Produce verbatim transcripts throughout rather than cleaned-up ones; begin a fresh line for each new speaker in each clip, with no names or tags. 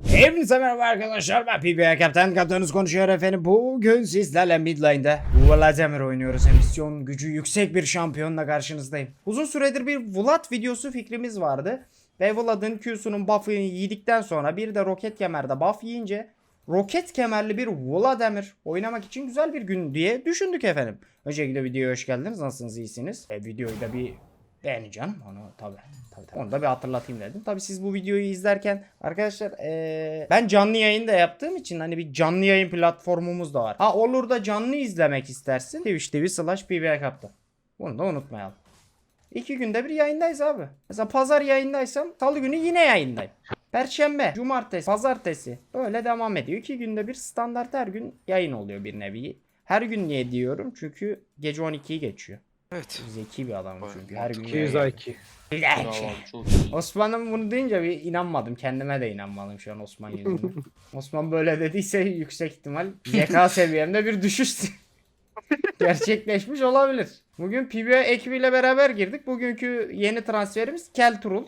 Hepinize merhaba arkadaşlar, ben P B A Kaptan Kaptanınız konuşuyor efendim. Bugün sizlerle mid lane'de Vladimir oynuyoruz. Misyon gücü yüksek bir şampiyonla karşınızdayım. Uzun süredir bir Vlad videosu fikrimiz vardı. Ve Vlad'ın Q'sunun buff'ını yedikten sonra bir de roket kemerde buff yiyince roket kemerli bir Vladimir oynamak için güzel bir gün diye düşündük efendim. Öncelikle videoya hoş geldiniz. Nasılsınız, iyisiniz? E, videoyu da bir beğeneceğim onu tabi. Tabii, tabii. Onu da bir hatırlatayım dedim. Tabi siz bu videoyu izlerken arkadaşlar ee, ben canlı yayın da yaptığım için hani bir canlı yayın platformumuz da var. Ha olur da canlı izlemek istersin. Twitch T V slash P B A Kaptan. Bunu da unutmayalım. İki günde bir yayındayız abi. Mesela pazar yayındaysam salı günü yine yayındayım. Perşembe, cumartesi, pazartesi böyle devam ediyor. İki günde bir standart her gün yayın oluyor bir nevi. Her gün niye diyorum? Çünkü gece on ikiyi geçiyor.
Evet.
Zeki bir adam çünkü. Her gün
iki yüz I Q.
Osman'ın bunu deyince bir inanmadım. Kendime de inanmadım şu an Osman yüzünden. Osman böyle dediyse yüksek ihtimal zeka seviyemde bir düşüş gerçekleşmiş olabilir. Bugün P B A ekibiyle beraber girdik. Bugünkü yeni transferimiz Kelturul.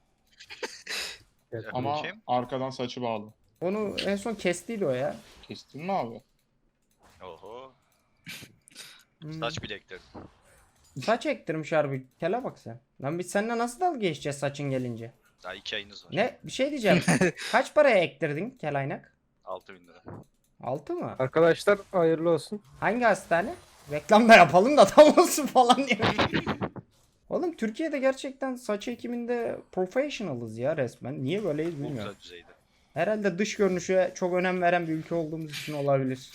Ama
Kim?
arkadan saçı bağlı.
Onu en son kestiydi o ya.
Kestin mi abi?
Oho.
Hmm.
Saç bilekleri.
Saç ektirmiş harbi. Kele bak sen. Lan biz seninle nasıl dalga geçeceğiz saçın gelince?
Daha iki ayınız var.
Ne? Bir şey diyeceğim. Kaç paraya ektirdin kelaynak?
altı bin lira.
altı mı?
Arkadaşlar hayırlı olsun.
Hangi hastane? Reklam da yapalım da tam olsun falan diye. Oğlum Türkiye'de gerçekten saç ekiminde professionalız ya resmen. Niye böyleyiz
Bu
bilmiyorum.
güzel düzeyde.
Herhalde dış görünüşe çok önem veren bir ülke olduğumuz için olabilir.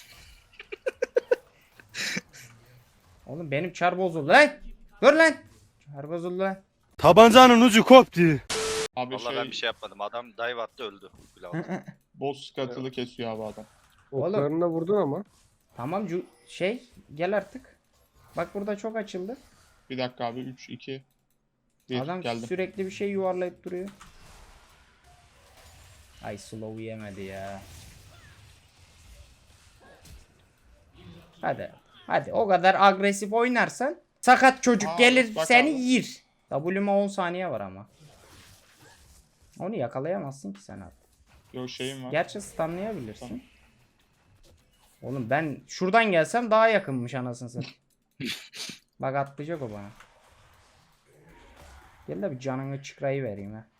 Oğlum benim çar bozuldu lan. Dur lan. Çar bozuldu lan.
Tabancanın ucu koptu.
Abi
Vallahi
şey,
ben bir şey yapmadım. Adam dive attı öldü. Bile
boss skatılı kesiyor abi adam.
Oğlum.
da vurdun ama.
Tamam cu şey gel artık. Bak burada çok açıldı.
Bir dakika abi, üç, iki, bir,
Adam
geldim.
sürekli bir şey yuvarlayıp duruyor. Ay slow yemedi ya. Hadi. Hadi o kadar agresif oynarsan sakat çocuk
Aa,
gelir
bak
seni
abi.
yir. W'ma on saniye var ama. Onu yakalayamazsın ki sen artık.
Yok şeyim var.
Gerçi stunlayabilirsin.
Tamam.
Oğlum ben şuradan gelsem daha yakınmış anasını satayım. Bak atlayacak o bana. Gel de bir canını çıkrayı vereyim ha.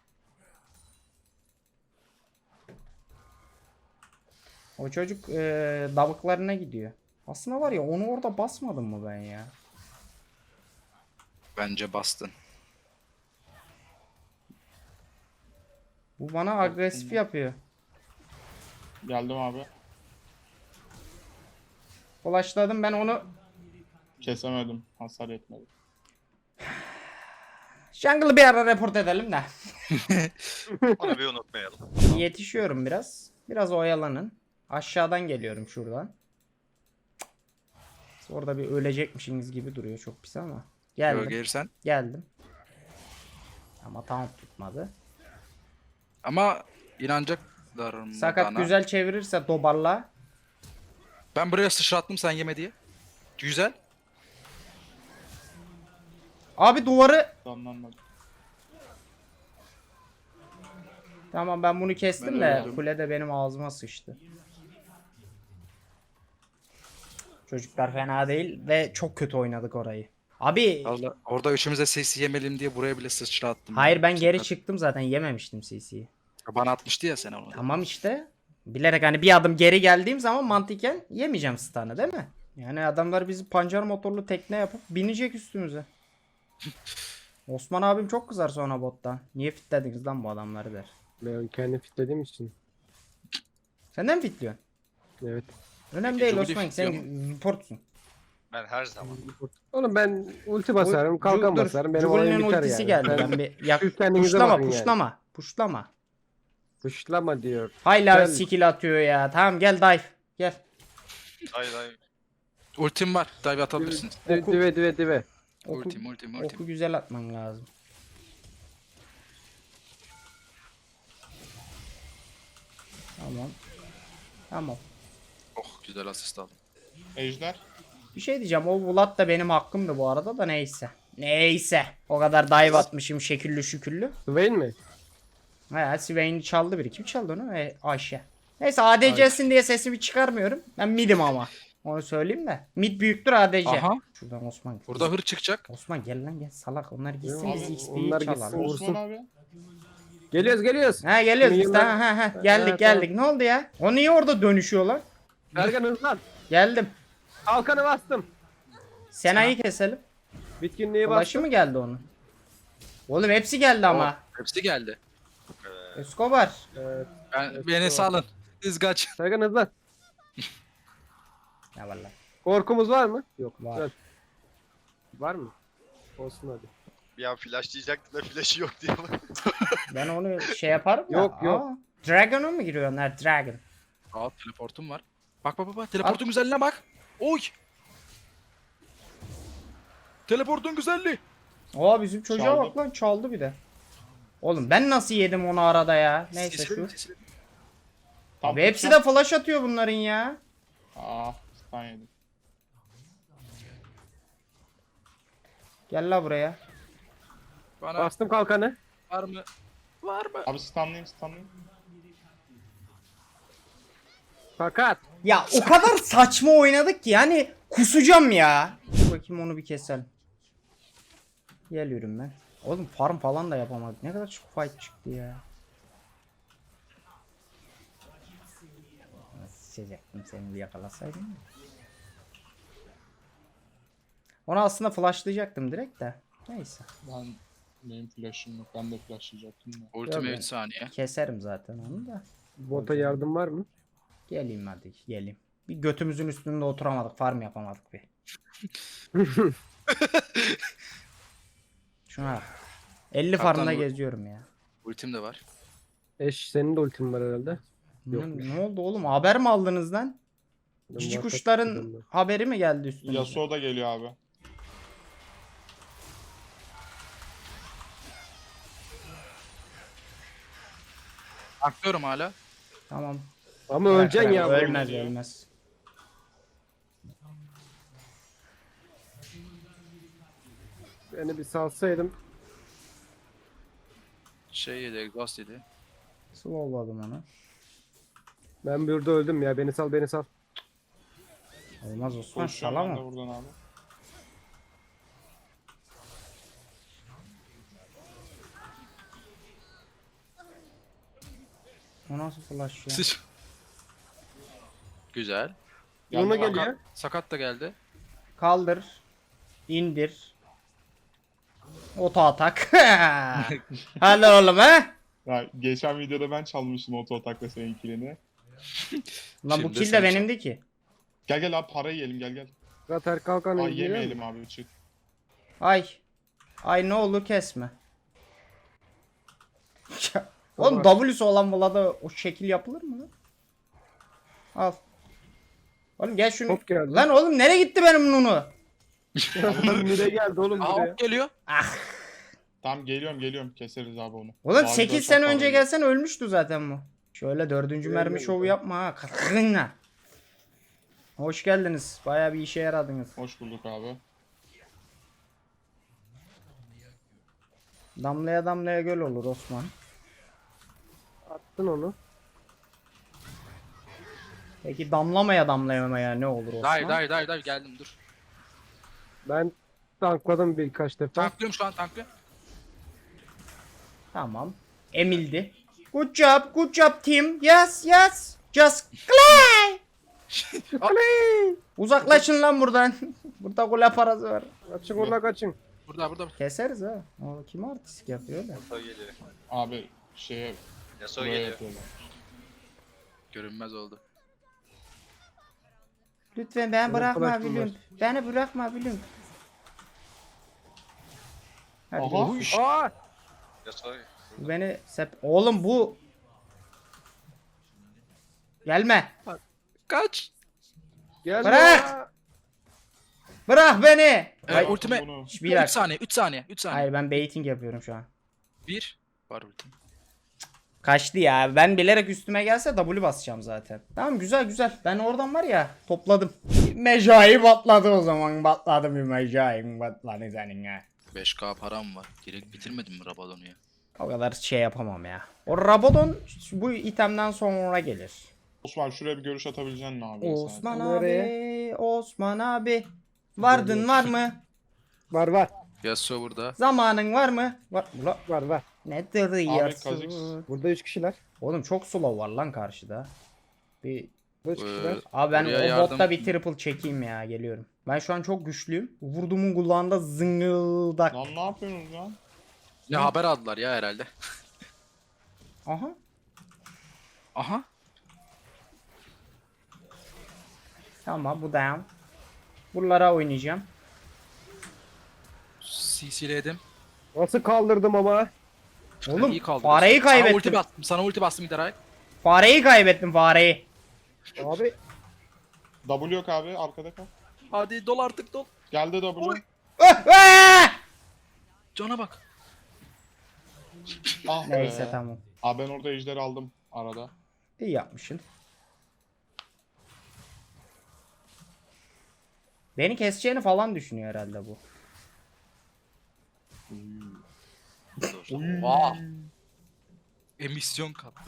O çocuk e, davuklarına gidiyor. Aslında var ya onu orada basmadım mı ben ya?
Bence bastın.
Bu bana agresif yapıyor.
Geldim abi.
Ulaşladım ben onu.
Kesemedim. Hasar yetmedi.
Jungle'ı bir ara report edelim de.
Onu bir unutmayalım.
Yetişiyorum biraz. Biraz oyalanın. Aşağıdan geliyorum şuradan. Orada bir ölecekmişsiniz gibi duruyor, çok pis ama. Geldim.
gelirsen.
Geldim. Ama tam tutmadı.
Ama inanacaklar mı
Sakat
bana?
güzel çevirirse dobarla.
Ben buraya sıçrattım sen yeme diye. Güzel.
Abi duvarı.
Anlanmadı.
Tamam ben bunu kestim
Ben
de
öldüm.
kule de benim ağzıma sıçtı. Çocuklar fena değil ve çok kötü oynadık orayı. Abi
Allah, orada üçümüze sesi yemelim diye buraya bile sıçrattım.
hayır ben geri
Sakat.
çıktım zaten, yememiştim C C'yi.
Bana atmıştı ya sen onu.
Tamam işte. Bilerek hani bir adım geri geldiğim zaman mantıken yemeyeceğim stun'ı değil mi? Yani adamlar bizi pancar motorlu tekne yapıp binecek üstümüze. Osman abim çok kızar sonra bottan. Niye fitlediniz lan bu adamları der.
Ben kendi fitlediğim için.
Sen de mi fitliyorsun?
Evet.
Önemli
Peki,
değil
Jubilee
Osman, sen
fitliyor
reportsun.
Ben her zaman.
Oğlum ben ulti basarım, kalkan
Dur,
basarım. Benim
Jubilee'nin
oyun biter
ultisi
yani.
geldi.
Ben
Ben bir yak
siz kendinize
puşlama
bakın yani.
puşlama puşlama.
Pışlama diyor.
Hayla
Gel.
skill atıyor ya. Tamam gel dive. Gel.
Hayır hayır. Ultim var. Dive atabilirsiniz.
Dive
Oku.
dive dive. dive.
Oku,
Ultim ultim ultim.
oku güzel atman lazım. Tamam. Tamam.
Oh güzel asist aldım.
Ejder.
Bir şey diyeceğim. O Vlad da benim hakkımdı bu arada da neyse. Neyse. O kadar dive atmışım şekillü şüküllü.
Swain mi?
He Swain'i çaldı biri. Kim çaldı onu? E, Ayşe. Neyse A D C'sin diye sesimi çıkarmıyorum. Ben mid'im ama. Onu söyleyeyim de. Mid büyüktür A D C.
Aha.
Şuradan Osman.
Burada hır çıkacak.
Osman gel lan gel salak. onlar gitsin
Abi,
biz X P'yi
onlar
çalalım.
gitsin. Vursun.
Osman abi.
Geliyoruz geliyoruz.
Ha geliyoruz biz.
Şimdi
Ha, ha, ha. Geldik
Ha,
geldik. Ne oldu ya? O niye orada dönüşüyor lan?
Ergan hızlan.
Geldim.
Kalkanı bastım.
Sena'yı keselim.
Bitkinliği
Ulaşı
bastım.
mı geldi onun? Oğlum hepsi geldi ama.
Hepsi geldi.
Escobar.
Evet.
Ben,
Evet,
beni
doğru.
salın. Siz kaç.
Ergan hızlan.
Ya vallahi.
Korkumuz var mı? Yok.
Var.
Güzel. Var mı? Olsun hadi.
Bir an flash diyecektim da flash'ı yok diye.
Ben onu şey yaparım da.
Yok, yok.
Aa, Dragon'a mı giriyor onlar? Dragon.
Aa teleportum var. Bak bak bak bak. Teleportun güzelliğine bak. Oy. Teleportun güzelliği.
Aa bizim çocuğa
Çaldı.
bak lan çaldı bir de. Oğlum ben nasıl yedim onu arada ya? Neyse şu.
Seslerim, seslerim.
Tam
Abi hepsi
tutacağım.
de flash atıyor bunların ya.
Aa stun yedim.
Gel la buraya.
Bana
Bastım kalkanı.
var mı? Var mı?
Abi stunlayayım stunlayayım.
Fakat.
Ya o kadar saçma oynadık ki yani kusacağım ya. Dur bakayım onu bir keselim. Geliyorum ben. Oğlum farm falan da yapamadık. Ne kadar çok fight çıktı ya. Sıçacaktım seni bir yakalasaydım. da. Onu aslında flashlayacaktım direkt de. Neyse.
Ben benim flash'ım yok. Ben de flashlayacaktım da.
Ultime
Yok,
üç saniye.
Keserim zaten onu da.
Bota yardım var mı?
Geleyim hadi geleyim. Bir götümüzün üstünde oturamadık. Farm yapamadık bir. Şuna bak. elli
Kaptan
farmda
bu-
geziyorum ya.
Ultim de var.
Eş senin de ultin var herhalde.
Ne,
Yokmuş.
ne oldu oğlum? Haber mi aldınız lan?
Ben
Cici
muhakkak
kuşların
bilmiyorum
haberi mi geldi üstüne?
Yasuo da geliyor abi.
Aklıyorum hala.
Tamam.
ben. Ama öleceksin ya.
Ölmez.
Ölmez
geliyor.
ölmez.
Beni bir salsaydım.
Şey yedi, exhaust yedi.
Slowladım onu.
Ben burada öldüm ya. Beni sal beni sal.
Olmaz Osman
Koşuyorum ben de
salamam.
buradan abi.
O nasıl flash ya?
Sıç. Güzel.
Geldi
Ona
abi.
geliyor.
Sakat, sakat da geldi.
Kaldır. İndir. Oto atak. Hadi oğlum he.
Ya, geçen videoda ben çalmıştım oto atakla senin killini.
Lan bu
Şimdi
kill de
sen
benimdi ki.
Gel gel abi para yiyelim gel gel.
Zaten kalkanı
Ay
geliyor mu?
yemeyelim abi çık.
Ay. Ay ne olur kesme. Oğlum
Baba.
W'su olan Vlad'a o şekil yapılır mı lan? Al. Oğlum gel şunu.
Hop geldi.
Lan oğlum nereye gitti benim Nunu?
Mide geldi oğlum
Aa
buraya.
ok geliyor.
Tamam geliyorum geliyorum keseriz abi onu.
Oğlum
Abi
sekiz
de çok
sene
para
önce
yiyor.
gelsen ölmüştü zaten bu. Şöyle dördüncü
Öyle
mermi
mi?
şovu yapma ha. Katkınla. Hoş geldiniz. Bayağı bir işe yaradınız.
Hoş bulduk abi.
Damlaya damlaya göl olur Osman.
Attın onu.
Peki damlamaya damlayamaya ne olur Osman?
Dive dive dive dive geldim dur.
Ben tankladım birkaç defa.
Tanklıyorum şu an tanklıyorum.
Tamam. Emildi. Good job, good job team. Yes, yes. Just play. Play. Uzaklaşın lan buradan. Burada gol parası var.
Kaçın orada kaçın.
Burada burada.
Keseriz ha. O kim artistik yapıyor da.
Yasuo geliyor.
Abi şeye
Yasuo
buraya
geliyor.
yapıyorlar.
Görünmez oldu.
Lütfen ben
Benim
bırakma
arkadaşım
Bülüm.
var.
Beni bırakma Bülüm. Hadi
Aha.
görüşürüz.
Aa!
Yasuo.
Bu beni sep... Oğlum bu... Gelme.
Kaç.
Gel
Bırak!
ya.
Bırak beni.
Ee,
Hayır,
ultime
Bunu.
bir
üç
dakika.
saniye üç saniye üç saniye.
Hayır ben baiting yapıyorum şu an.
bir. Var ultim.
Kaçtı ya. Ben bilerek üstüme gelse W basacağım zaten. Tamam güzel güzel. Ben oradan var ya topladım. Mecai batladı o zaman. Batladı bir mecai batladı senin ha.
beş K param var. Direkt bitirmedim mi Rabadon'u ya?
O kadar şey yapamam ya. O Rabadon bu itemden sonra gelir.
Osman şuraya bir görüş atabilecek misin abi?
Osman
sen?
abi,
Nereye?
Osman abi. Vardın var mı?
Var var.
Yasuo burada.
Zamanın var mı? Var. Ula,
Var var.
nedir
Kha'Zix.
yarsın?
Burada üç kişiler.
Oğlum çok slow var lan karşıda. Bir
Burada üç kişiler.
Ee,
Abi ben
Buraya
o
yardım-
botta bir triple çekeyim ya, geliyorum. Ben şu an çok güçlüyüm. Vurduğumun kulağında zıngıldak.
Lan ne yapıyorsunuz lan?
Ne haber aldılar ya herhalde.
Aha.
Aha.
Tamam, bu down. Buralara oynayacağım.
C C'ledim.
Nasıl kaldırdım ama?
Oğlum
İyi kaldırıyorsun.
fareyi
Sana ulti
kaybettim.
bastım. Sana ulti bastım Midaray.
Fareyi kaybettim, fareyi.
Abi
W yok abi arkada kal.
Hadi dol artık dol.
Geldi W.
Oy.
Ah, ah!
Cana bak.
Ah be.
Neyse tamam.
Abi ben orada ejderi aldım arada.
İyi yapmışsın. Beni keseceğini falan düşünüyor herhalde bu.
Vaa. Emisyon kattı.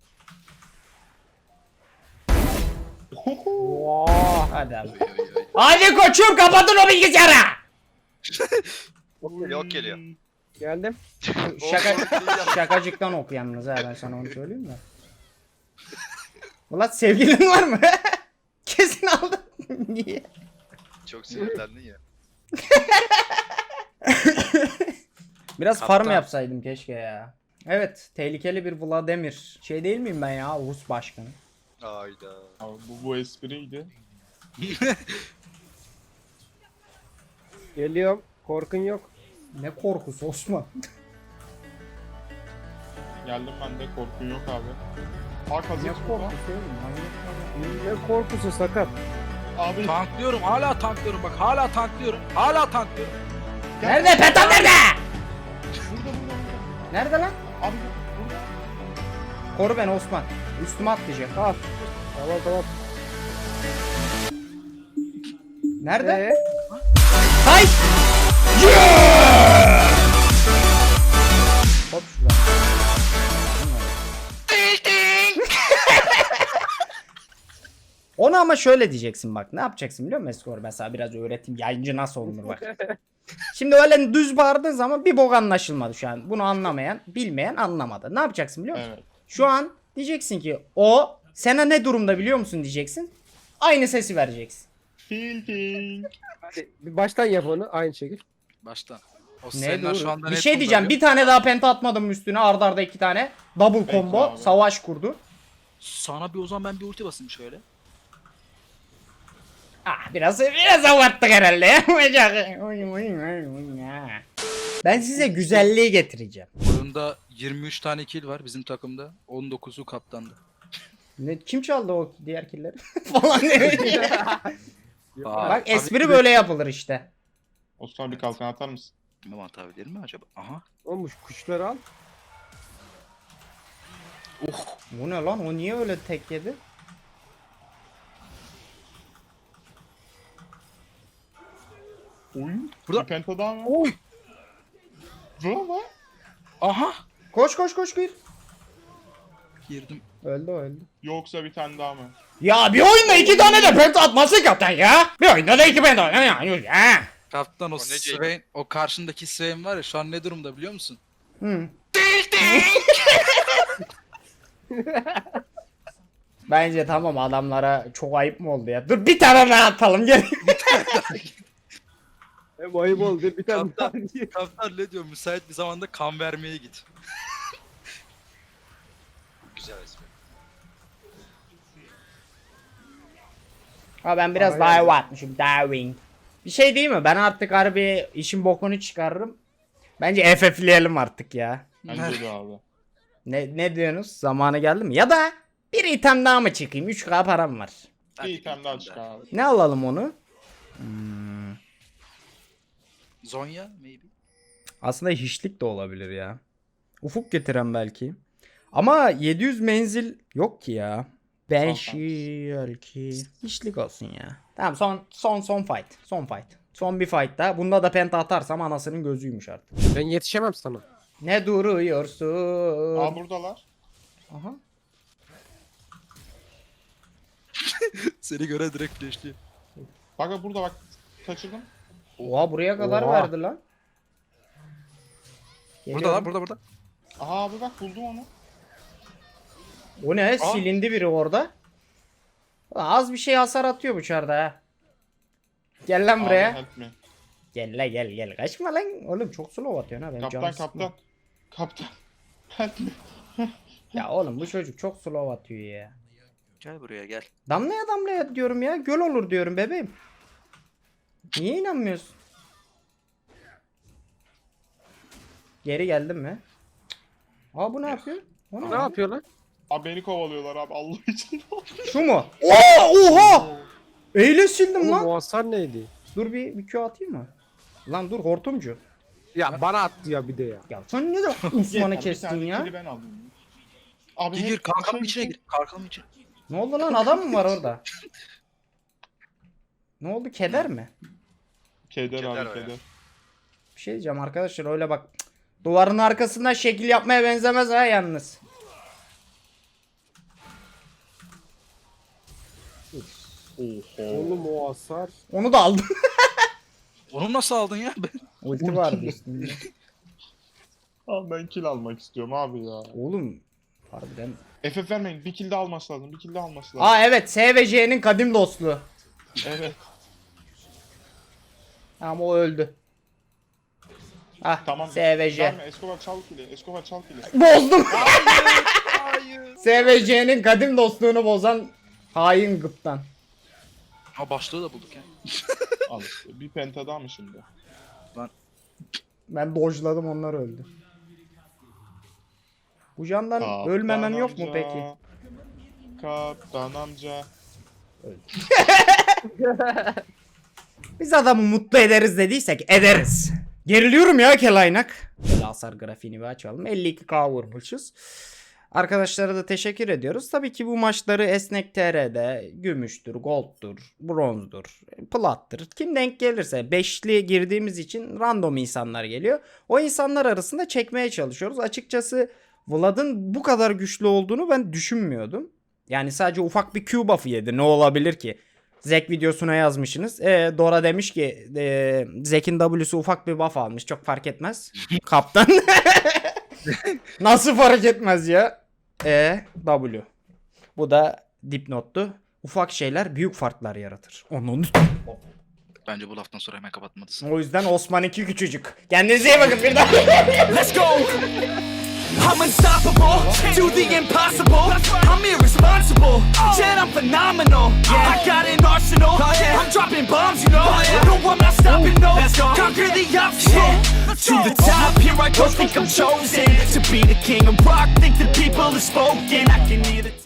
Hadi abi.
Oy, oy, oy.
Hadi koçum, kapatın o bilgisayarı.
Ok geliyor, ok geliyor.
geldim.
Şaka, şakacıktan oku yalnız ha, ben sana onu söyleyeyim mi? Ulan sevgilin var mı? Kesin aldın. Niye?
Çok sinirlendin ya.
Biraz
Kaptan.
farm yapsaydım keşke ya. Evet, tehlikeli bir Vladimir. Şey değil miyim ben ya, Rus başkanı?
Hayda.
Abi bu, bu espriydi.
Geliyorum. Korkun yok.
Ne korkusu Osman.
Geldim ben de korkun yok abi. Aa
Ne
Kha'Zix burada.
korkusu oğlum? Manyak mısın?
Ne korkusu sakat.
Abi
Tanklıyorum. Hala tanklıyorum. Bak hala tanklıyorum. Hala tanklıyorum.
Nerede? Petan nerede?
burada burada burada.
Nerede lan?
Abi burada.
Koru beni Osman. Üstüme atlayacak.
Al. Tamam tamam.
Nerede?
Ee,
Hay! Hop şuradan. Onu ama şöyle diyeceksin bak. Ne yapacaksın biliyor musun Eskor? Mesela biraz öğreteyim. Yayıncı nasıl olunur bak. Şimdi öyle düz bağırdığın zaman bir bok anlaşılmadı şu an. Bunu anlamayan, bilmeyen anlamadı. Ne yapacaksın biliyor musun?
Evet.
Şu an diyeceksin ki o sana ne durumda biliyor musun diyeceksin. Aynı sesi vereceksin.
Tilting.
hadi bir baştan yap onu aynı şekilde.
Baştan. O
Ne
Senler
dur?
şu anda
Bir
net
şey diyeceğim.
kullanıyor.
Bir tane daha penta atmadım üstüne. Arda arda iki tane. Double
Peki
combo.
abi.
Savaş kurdu.
Sana bir o zaman ben bir ulti basayım şöyle.
Ah biraz biraz abarttık herhalde ya. Ben size güzelliği getireceğim.
Oyunda yirmi üç tane kill var bizim takımda. on dokuzu kaptandı.
Ne, kim çaldı o diğer killeri? Falan diyor.
Aa,
Bak
abi-
espri böyle yapılır işte.
Osman bir kalkan atar mısın?
Bilmem atabilir mi acaba? Aha.
Olmuş kuşları al.
Oh.
Bu ne lan? O niye öyle tek yedi?
Oy.
Burada-
Bir penta daha mı?
Oy.
Bravo.
Aha.
Koş koş koş gir.
Girdim.
Öldü öldü.
Yoksa bir tane daha mı?
Ya bir oyunda iki tane de penta atması kaptan ya. Bir oyunda da iki penta ya. ya.
Kaptan o,
O ne
Swain, o karşındaki Swain var ya şu an ne durumda biliyor musun?
Hı. Bence tamam, adamlara çok ayıp mı oldu ya? Dur bir tane daha atalım gel.
Hem ayıp oldu bir tane daha.
Kaptan ne diyor? Müsait bir zamanda kan vermeye git.
Güzel espri.
Ha ben biraz
Aynen.
dive atmışım. Diving. Bir şey değil mi? Ben artık harbi işin bokunu çıkarırım. Bence F F'leyelim artık ya.
Bence de abi.
Ne ne diyorsunuz? Zamanı geldi mi? Ya da bir item daha mı çıkayım? üç K param var.
Bir item daha çık abi.
Ne alalım onu? Hmm.
Zonya maybe.
Aslında hiçlik de olabilir ya. Ufuk getiren belki. Ama yedi yüz menzil yok ki ya. Belki hiçlik olsun ya. Tamam, son son son fight. Son fight. Son bir fight daha. Bunda da penta atarsam anasının gözüymüş artık.
Ben yetişemem sana.
Ne duruyorsun?
Aa buradalar.
Aha.
Seni göre direkt flashliyor.
Bak bak burada bak. Kaçırdım.
Oha buraya kadar
Oha.
verdi lan.
Burada
Geliyorum.
lan burada burada.
Aha abi bak buldum onu.
O ne? Silindi biri orada. Az bir şey hasar atıyor bu çarda ha. Gel lan buraya.
Abi, help me.
Gel la gel gel. Kaçma lan. Oğlum çok slow atıyorsun ha. Benim
Kaptan
canım sıkma.
kaptan. Kaptan. Help me.
Ya oğlum bu çocuk çok slow atıyor ya.
Gel buraya gel.
Damlaya damlaya diyorum ya. Göl olur diyorum bebeğim. Niye inanmıyorsun? Geri geldin mi? Aa bu ne yapıyor? O ne?
Ne yapıyor lan?
Abi beni kovalıyorlar abi Allah için.
Şu mu? Oo, oha! Eyle sildim
Oğlum
lan.
o hasar neydi?
Dur bir, bir Q atayım mı? Lan dur hortumcu.
Ya bana attı ya bir de ya.
Ya sen ne de
Yeter,
Osman'ı
bir
kestin
tane
ya?
kili ben aldım. Abi
Gir
hep-
gir kalkanın
şey-
içine gir. Kalkanın içine.
Ne oldu lan adam mı var orada? Ne oldu keder mi?
Keder
Keder
abi
o ya.
keder.
Bir şey diyeceğim arkadaşlar öyle bak. Cık, duvarın arkasından şekil yapmaya benzemez ha yalnız.
Oğlum o hasar.
Onu da aldım.
Onu nasıl aldın ya?
Ulti vardı üstünde.
Abi ben kill almak istiyorum abi ya.
Oğlum harbiden.
F F vermeyin bir kill de alması lazım bir kill de alması lazım.
Aa evet S ve C'nin kadim dostluğu.
Evet.
Ama o öldü. Ah
Tamam.
S ve J.
Verme Escobar çal kili. Escobar çal kili.
Bozdum.
Hayır.
S ve C'nin kadim dostluğunu bozan hain gıptan.
Ha başlığı da bulduk ya.
Al işte bir penta daha mı şimdi?
Ben dojladım onlar öldü. Bu candan
Kaptan
ölmemem yok mu
amca,
peki?
Kaptan amca.
Biz adamı mutlu ederiz dediysek ederiz. Geriliyorum ya kelaynak. Hasar grafiğini bir açalım. elli iki K vurmuşuz. Arkadaşlara da teşekkür ediyoruz. Tabii ki bu maçları Esnek T R'de gümüştür, gold'dur, bronzdur, plattır. Kim denk gelirse beşli girdiğimiz için random insanlar geliyor. O insanlar arasında çekmeye çalışıyoruz. Açıkçası Vlad'ın bu kadar güçlü olduğunu ben düşünmüyordum. Yani sadece ufak bir Q buff'ı yedi. Ne olabilir ki? Zek videosuna yazmışsınız. E, Dora demiş ki e, Zek'in W'su ufak bir buff almış. Çok fark etmez. Kaptan. Nasıl fark etmez ya? E W. Bu da dipnottu. Ufak şeyler büyük farklar yaratır. Onun.
Bence bu laftan sonra hemen kapatmalısın.
O yüzden Osman iki küçücük. Kendinize iyi bakın bir daha.
Let's go! I'm unstoppable, do the impossible. I'm irresponsible, yet I'm phenomenal. I got an arsenal, I'm dropping bombs, you know. No, I'm not stopping, no. Conquer the obstacle. To the top, here I go, think I'm chosen to be the king of rock. Think the people have spoken. I can hear the